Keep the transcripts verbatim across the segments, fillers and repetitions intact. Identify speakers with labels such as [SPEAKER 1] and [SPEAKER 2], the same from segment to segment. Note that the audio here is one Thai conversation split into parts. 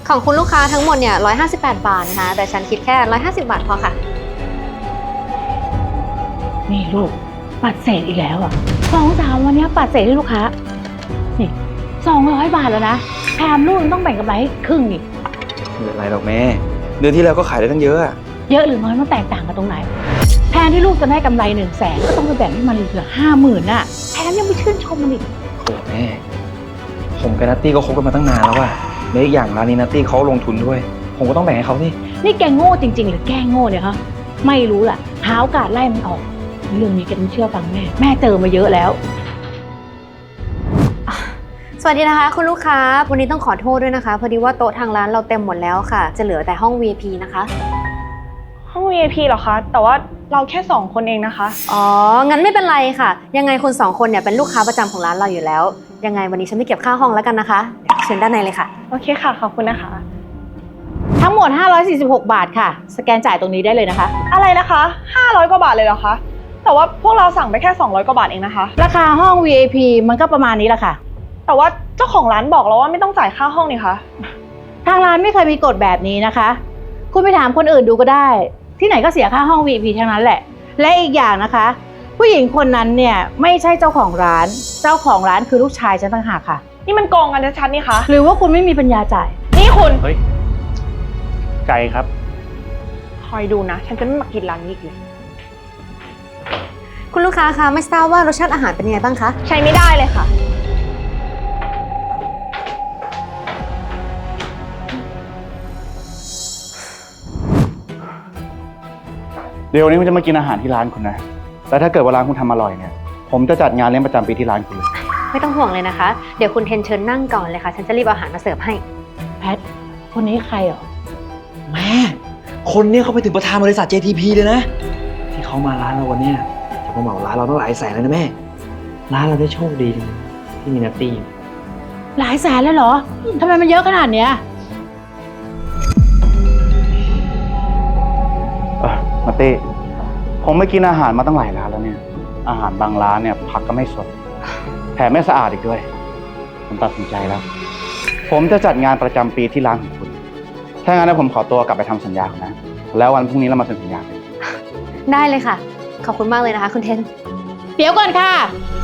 [SPEAKER 1] ของคุณลูกค้าทั้งหมดเนี่ยหนึ่งร้อยห้าสิบแปดบาทนะคะแต่ฉันคิดแค่หนึ่งร้อยห้าสิบบาทพอค่ะ
[SPEAKER 2] นี่ลูกปัดเศษอีกแล้วอ่ะสองสามวันนี้ปัดเศษให้ลูกค้านี่สองร้อยบาทแล้วนะแถมลูกต้องแบ่งกำไรให้ครึ่งนี่
[SPEAKER 3] ไม่เป็นไรหรอกแม่เดือนที่แล้วก็ขายได้ตั้งเยอะอะ
[SPEAKER 2] เยอะหรือน้อยมันแตกต่างกันตรงไหนแทนที่ลูกจะได้กำไรหนึ่งแสนก็ต้องไปแบ่งให้มันเหลือห้าหมื่นน่ะแถมยังไม่ชื่นชมมันอีก
[SPEAKER 3] โอ้แม่ผมกับนัตตี้ก็คบกันมาตั้งนานแล้วอะและอีกอย่างร้านนี้นัตตี้เขาลงทุนด้วยผมก็ต้องแบ่งให้เขาสิ
[SPEAKER 2] นี่แกโง่จริงๆหรือแกโง่เนี่ยฮะไม่รู้ล่ะหาโอกาสไล่มันออกเรื่องนี้แกต้องเชื่อฟังแม่แม่เจอมาเยอะแล้ว
[SPEAKER 1] สวัสดีนะคะคุณลูกค้าวันนี้ต้องขอโทษด้วยนะคะพอดีว่าโต๊ะทางร้านเราเต็มหมดแล้วค่ะจะเหลือแต่ห้อง วี ไอ พี นะคะ
[SPEAKER 4] ห้อง วี ไอ พี เหรอคะแต่ว่าเราแค่สองคนเองนะคะ
[SPEAKER 1] อ๋องั้นไม่เป็นไรค่ะยังไงคุณสองคนเนี่ยเป็นลูกค้าประจำของร้านเราอยู่แล้วยังไงวันนี้ฉันไม่เก็บค่าห้องแล้วกันนะคะเชิญด้านในเลยค่ะ
[SPEAKER 4] โอเคค่ะขอบคุณนะคะ
[SPEAKER 2] ทั้งหมดห้าร้อยสี่สิบหกบาทค่ะสแกนจ่ายตรงนี้ได้เลยนะคะ
[SPEAKER 4] อะไรนะคะห้าร้อยกว่าบาทเลยเหรอคะแต่ว่าพวกเราสั่งไปแค่สองร้อยกว่าบาทเองนะคะ
[SPEAKER 2] ราคาห้อง วี ไอ พี มันก็ประมาณนี้แหละค่ะ
[SPEAKER 4] แต่ว่าเจ้าของร้านบอกเราว่าไม่ต้องจ่ายค่าห้องนี่คะ
[SPEAKER 2] ทางร้านไม่เคยมีกฎแบบนี้นะคะคุณไปถามคนอื่นดูก็ได้ที่ไหนก็เสียค่าห้อง วี ไอ พี ทั้งนั้นแหละและอีกอย่างนะคะผู้หญิงคนนั้นเนี่ยไม่ใช่เจ้าของร้านเจ้าของร้านคือลูกชายฉันต่างหากค่ะ
[SPEAKER 4] นี่มันโกงกันชัดๆนี่คะ
[SPEAKER 2] หรือว่าคุณไม่มีปัญญาจ่าย
[SPEAKER 4] นี่คุณ
[SPEAKER 5] เฮ้ยไก่ครับ
[SPEAKER 4] คอยดูนะฉันจะไม่มากินร้านนี้อีกเลย
[SPEAKER 1] คุณลูกค้าคะไม่ทราบว่ารสชาติอาหารเป็นยังไงบ้างคะ
[SPEAKER 4] ใช้ไม่ได้เลยค่ะ
[SPEAKER 5] เดี๋ยวนี้ผมจะมากินอาหารที่ร้านคุณนะแล้วถ้าเกิดว่าร้านคุณทำอร่อยเนี่ยผมจะจัดงานเลี้ยงประจำปีที่ร้านคุณเลย
[SPEAKER 1] ไม่ต้องห่วงเลยนะคะเดี๋ยวคุณเทนเชิญนั่งก่อนเลยค่ะฉันจะรีบเอาอาหารมาเสิร์ฟให้
[SPEAKER 2] แพทคนนี้ใครเหรอ
[SPEAKER 3] แม่คนนี้เขาไปถึงประธานบริษัท เจ ที พี เลยนะที่เขามาร้านเราวันนี้จะมาเหมาร้านเราต้องหลายแสนเลยนะแม่ร้านเราได้โชคดีที่มีนัตตี้
[SPEAKER 2] หลายแสนเลยเหรอทำไมมันเยอะขนาดเนี้ย
[SPEAKER 5] เออมาเต้ผมไม่กินอาหารมาตั้งหลายร้านแล้วเนี่ยอาหารบางร้านเนี่ยผักก็ไม่สดแถมไม่สะอาดอีกด้วยผมตัดสินใจแล้วผมจะจัดงานประจำปีที่ร้านของคุณถ้างั้นผมขอตัวกลับไปทำสัญญานะแล้ววันพรุ่งนี้เรามาเซ็นสัญญากัน
[SPEAKER 1] ได้เลยค่ะขอบคุณมากเลยนะคะคุณเทน
[SPEAKER 2] เดี๋ยวก่อนค่ะ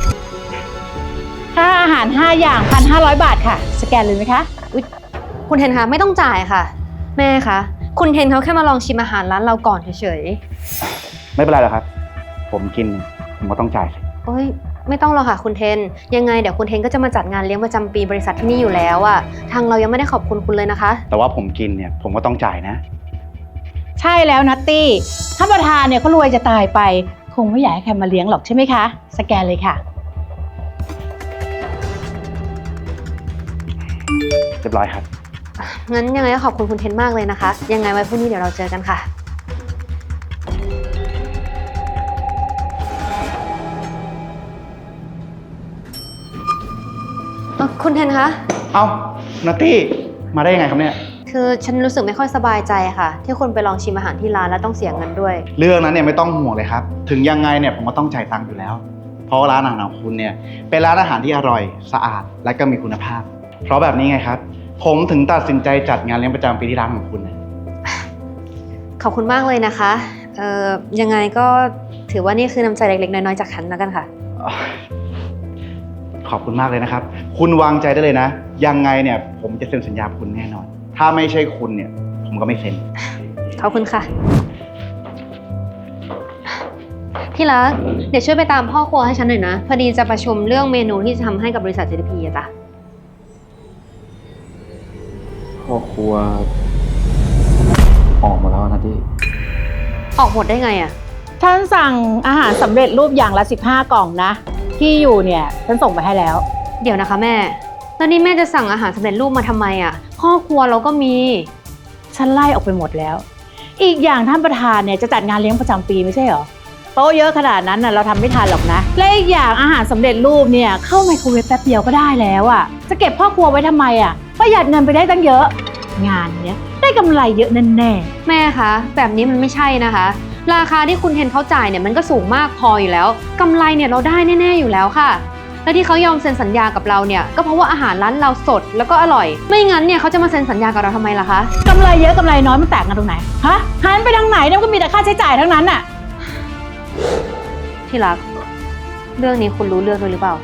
[SPEAKER 2] ค่าอาหารห้าอย่าง หนึ่งพันห้าร้อย บาทค่ะสแกนเลยไหมคะ
[SPEAKER 1] อุ๊ยคุณเทนคะไม่ต้องจ่ายค่ะแม่คะคุณเทนเขาแค่มาลองชิมอาหารร้านเราก่อนเฉย
[SPEAKER 5] ๆไม่เป็นไรหรอกครับผมกินผมก็ต้องจ่ายสิ
[SPEAKER 1] โอ้ยไม่ต้องหรอกค่ะคุณเทนยังไงเดี๋ยวคุณเทนก็จะมาจัดงานเลี้ยงประจำปีบริษัทที่นี่อยู่แล้วอะทางเรายังไม่ได้ขอบคุณคุณเลยนะคะ
[SPEAKER 5] แต่ว่าผมกินเนี่ยผมก็ต้องจ่ายนะ
[SPEAKER 2] ใช่แล้วนัตตี้ท่านประธานเนี่ยเขารวยจะตายไปคงไม่อยากให้ใครมาเลี้ยงหรอกใช่ไหมคะสแกนเลยค่ะ
[SPEAKER 5] เรียบร้อยครับ
[SPEAKER 1] งั้นยังไงก็ขอบคุณคุณเทนมากเลยนะคะยังไงไว้พรุ่งนี้เดี๋ยวเราเจอกันค่ะคุณเทนคะ
[SPEAKER 5] เอ้านัตตี้มาได้ยังไงครับเนี่ย
[SPEAKER 1] คือฉันรู้สึกไม่ค่อยสบายใจค่ะที่คุณไปลองชิมอาหารที่ร้านแล้วต้องเสียเงินด้วย
[SPEAKER 5] เรื่องนั้นเนี่ยไม่ต้องห่วงเลยครับถึงยังไงเนี่ยผมก็ต้องจ่ายตังค์อยู่แล้วเพราะร้านอาหารของคุณเนี่ยเป็นร้านอาหารที่อร่อยสะอาดและก็มีคุณภาพเพราะแบบนี้ไงครับผมถึงตัดสินใจจัดงานเลี้ยงประจำปีที่ร้านของคุณนะ
[SPEAKER 1] ขอบคุณมากเลยนะคะเอ่อยังไงก็ถือว่านี่คือน้ำใจเล็กๆน้อยๆจากฉันแล้วกันค่ะ
[SPEAKER 5] ขอบคุณมากเลยนะครับคุณวางใจได้เลยนะยังไงเนี่ยผมจะเซ็นสัญญาคุณแน่นอนถ้าไม่ใช่คุณเนี่ยผมก็ไม่เซ็น
[SPEAKER 1] ขอบคุณค่ะที่รักเดี๋ยวช่วยไปตามพ่อครัวให้ฉันหน่อยนะพอดีจะประชุมเรื่องเมนูที่จะทำให้กับบริษัท เจ ที พี อะจ้ะ
[SPEAKER 3] พ่อครัวออกหมดแล้วนะที่
[SPEAKER 1] ออกหมดได้ไงอะ
[SPEAKER 2] ฉันสั่งอาหารสำเร็จรูปอย่างละสิบห้ากล่องนะที่อยู่เนี่ยฉันส่งไปให้แล้ว
[SPEAKER 1] เดี๋ยวนะคะแม่แล้วนี่แม่จะสั่งอาหารสำเร็จรูปมาทำไมอะพ่อครัวเราก็มี
[SPEAKER 2] ฉันไล่ออกไปหมดแล้วอีกอย่างท่านประธานเนี่ยจะจัดงานเลี้ยงประจำปีไม่ใช่เหรอโต๊ะเยอะขนาดนั้นน่ะเราทำไม่ทันหรอกนะและอีกอย่างอาหารสำเร็จรูปเนี่ยเข้าไมโครเวฟแป๊บเดียวก็ได้แล้วอ่ะจะเก็บพ่อครัวไว้ทำไมอ่ะประหยัดเงินไปได้ตั้งเยอะงานเนี้ยได้กำไรเยอะแน่แน่
[SPEAKER 1] แม่คะแบบนี้มันไม่ใช่นะคะราคาที่คุณเทนเขาจ่ายเนี่ยมันก็สูงมากพออยู่แล้วกำไรเนี่ยเราได้แน่ๆอยู่แล้วค่ะและที่เขายอมเซ็นสัญญากับเราเนี่ยก็เพราะว่าอาหารร้านเราสดแล้วก็อร่อย ไม่งั้นเนี่ยเขาจะมาเซ็นสัญญากับเราทำไมล่ะคะ
[SPEAKER 2] กำไรเยอะกำไรน้อยมันแตกกันตรงไหน ฮะ หันไปทางไหนเนี่ยมันก็มีแต่ค่าใช้จ่ายทั้งนั้นน่ะ
[SPEAKER 1] ที่รัก เรื่องนี้คุณรู้เรื่องด้วยหรือเปล่า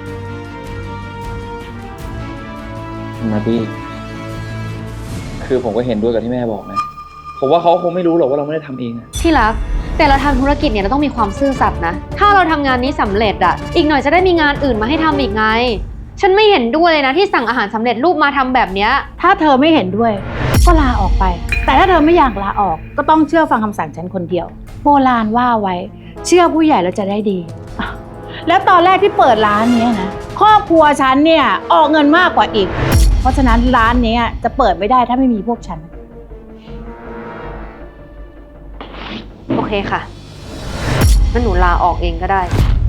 [SPEAKER 3] นาตี้คือผมก็เห็นด้วยกับที่แม่บอกนะ ผมว่าเขาคงไม่รู้หรอกว่าเราไม่ได้ทำเองอะ
[SPEAKER 1] ที่รัก แต่เราทำธุรกิจเนี่ยเราต้องมีความซื่อสัตย์นะ ถ้าเราทำงานนี้สำเร็จอ่ะ อีกหน่อยจะได้มีงานอื่นมาให้ทำอีกไง ฉันไม่เห็นด้วยเลยนะที่สั่งอาหารสำเร็จรูปมาทำแบบเนี้ย
[SPEAKER 2] ถ้าเธอไม่เห็นด้วยก็ลาออกไป แต่ถ้าเธอไม่อยากลาออกก็ต้องเชื่อฟังคำสั่งฉันคนเดียว โบราณว่าไว้ เชื่อผู้ใหญ่แล้วจะได้ดีอ่ะแล้วตอนแรกที่เปิดร้านเนี้ยนะครอบครัวฉันเนี่ยออกเงินมากกว่าอีก เพราะฉะนั้นร้านเนี้ยจะเปิดไม่ได้ถ้าไม่มีพวกฉัน
[SPEAKER 1] โอเคค่ะงั้นหนูลาออกเองก็ได้